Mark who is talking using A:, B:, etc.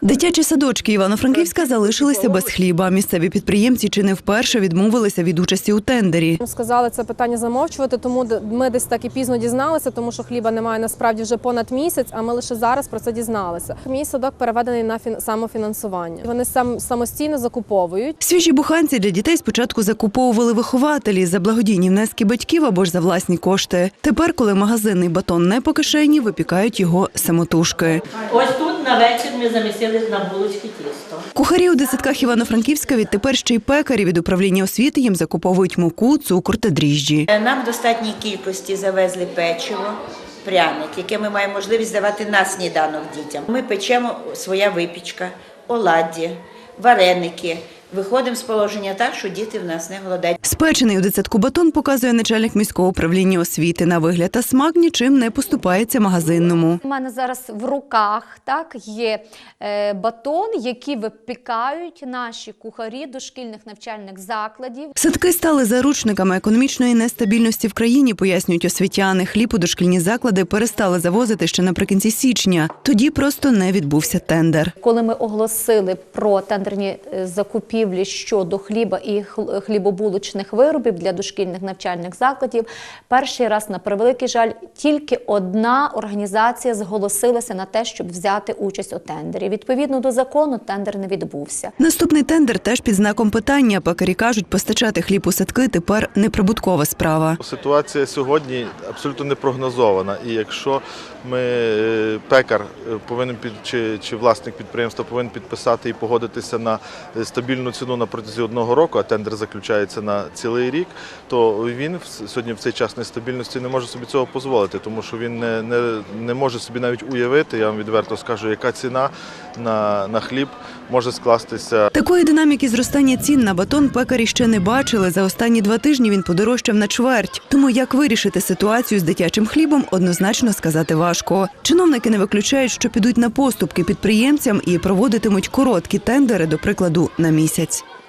A: Дитячі садочки Івано-Франківська залишилися без хліба. Місцеві підприємці чи не вперше відмовилися від участі у тендері.
B: Сказали це питання замовчувати, тому ми десь так і пізно дізналися, тому що хліба немає насправді вже понад місяць, а ми лише зараз про це дізналися. Мій садок переведений на самофінансування. Вони самостійно закуповують.
A: Свіжі буханці для дітей спочатку закуповували вихователі за благодійні внески батьків або ж за власні кошти. Тепер, коли магазинний батон не по кишені, випікають його самотужки.
C: Ось тут на вечір ми замісили на булочки тісто.
A: Кухарі у дитсадках Івано-Франківська відтепер ще й пекарі від управління освіти їм закуповують муку, цукор та дріжджі.
D: Нам в достатній кількості завезли печиво, пряник, яке ми маємо можливість давати на сніданок дітям. Ми печемо своя випічка, оладді, вареники. Виходимо з положення так, що діти в нас не голодають.
A: Спечений у дитсадку батон показує начальник міського управління освіти. На вигляд та смак нічим не поступається магазинному.
E: У мене зараз в руках є батон, який випікають наші кухарі дошкільних навчальних закладів.
A: Садки стали заручниками економічної нестабільності в країні, пояснюють освітяни. Хліб у дошкільні заклади перестали завозити ще наприкінці січня. Тоді просто не відбувся тендер.
E: Коли ми оголосили про тендерні закупівлі щодо хліба і хлібобулочних виробів для дошкільних навчальних закладів, перший раз, на превеликий жаль, тільки одна організація зголосилася на те, щоб взяти участь у тендері. Відповідно до закону, тендер не відбувся.
A: Наступний тендер теж під знаком питання. Пекарі кажуть, постачати хліб у садки тепер неприбуткова справа.
F: Ситуація сьогодні абсолютно не прогнозована. І якщо пекар повинен чи власник підприємства повинен підписати і погодитися на стабільну ціну на протязі 1 року, а тендер заключається на цілий рік, то він сьогодні в цей час нестабільності не може собі цього дозволити, тому що він не може собі навіть уявити, я вам відверто скажу, яка ціна на хліб може скластися.
A: Такої динаміки зростання цін на батон пекарі ще не бачили. За останні 2 тижні він подорожчав на чверть. Тому як вирішити ситуацію з дитячим хлібом, однозначно сказати важко. Чиновники не виключають, що підуть на поступки підприємцям і проводитимуть короткі тендери, до прикладу, на місяць.